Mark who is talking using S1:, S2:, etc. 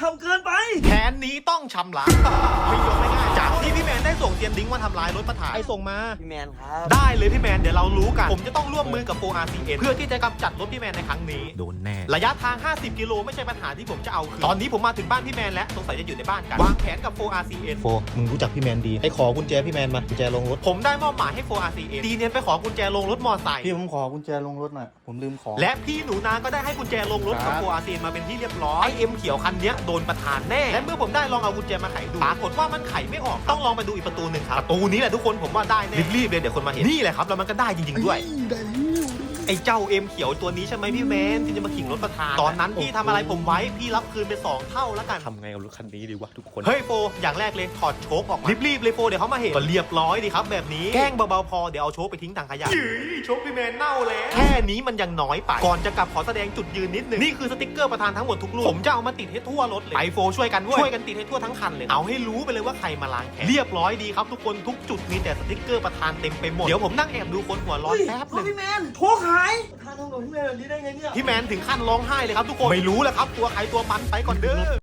S1: ทำเกินไป
S2: แผนนี้ต้องชำระไม่ยอมไม่ง่ายจากที่พี่แมนได้ส่งเซียนดิ้งมาทำลายรถประธานไอส่งมา
S1: พี่แมนครับ
S2: ได้เลยพี่แมนเดี๋ยวเรารู้กันผมจะต้องร่วมมือกับ 4RCN เพื่อที่จะกำจัดรถพี่แมนในครั้งนี้โดนแน่ระยะทาง50กิโลไม่ใช่ปัญหาที่ผมจะเอาคืนตอนนี้ผมมาถึงบ้านพี่แมนแล้วสงสัยจะอยู่ในบ้านกันวางแผนกับ 4RCN
S3: มึงรู้จักพี่แมนดีให้ขอกุญแจพี่แมนมากุญแจลงรถ
S2: ผมได้มอบหมายให้ 4RCN ดีเนียนไปขอกุญแจลงรถมอไซค์
S3: พี่ผมขอกุญแจลงรถหน่อยผมลืมของ
S2: และพี่หนูนาก็ได้ให้กุญแจลงรถกับ 4RCN มาเป็นที่เรียบร้อยไอเอ็มเขียวคันนี้โดนประธานแน่และเมื่อผมได้ลองเอากุญแจมาไขดูปรากฏว่ามันไขไม่ออกต้องลองไปดูอีกประตูหนึ่งครับประตูนี้แหละทุกคนผมว่าได้แน่รีบๆเลยเดี๋ยวคนมาเห็นนี่แหละครับแล้วมันก็ได้จริงๆด้วยไอ้เจ้าเอ็มเขียวตัวนี้ใช่ไหมพี่แมนที่จะมาขิงรถประธานตอนนั้นพี่ทำอะไรผมไว้พี่รับคืนไป2เท่าแล้วกัน
S3: ทำไงกับรถคันนี้ดีวะทุกคน
S2: เฮ้ยโฟอย่างแรกเลยถอดโชคออกมารีบๆเลยโฟเดี๋ยวเขามาเห็นก็เรียบร้อยดีครับแบบนี้แกล้งเบาๆพอเดี๋ยวเอาโชคไปทิ้งถังขยะโชคพี่แมนเน่าแล้วแค่นี้มันยังน้อยไปก่อนจะกลับขอแสดงจุดยืนนิดนึงนี่คือสติ๊กเกอร์ประธานทั้งหมดทุกลูกผมจะเอามาติดให้ทั่วรถเลยไปโฟช่วยกันติดให้ทั่วทั้งคันเลยเอาให้รู้ไปเลยว่าใครมาล้างแค้นเรียบร้อยดีครับทุกคนทุกจุดมีแต่สติ๊กเกอร์ประธานเต็มไปหมดเดี๋ยวผมนั่งแอบดูคนหัวร้อนแป๊บนึง
S1: พี่แมนโชคหายประธานทำกับพี่แมนแบบนี้ได้ไงเนี่ย
S2: พี่แมนถึงขั้นร้องไห้เลยครับทุกคนไม่รู้แหละครับตัวใครตัวมันไปก่อนเด้อ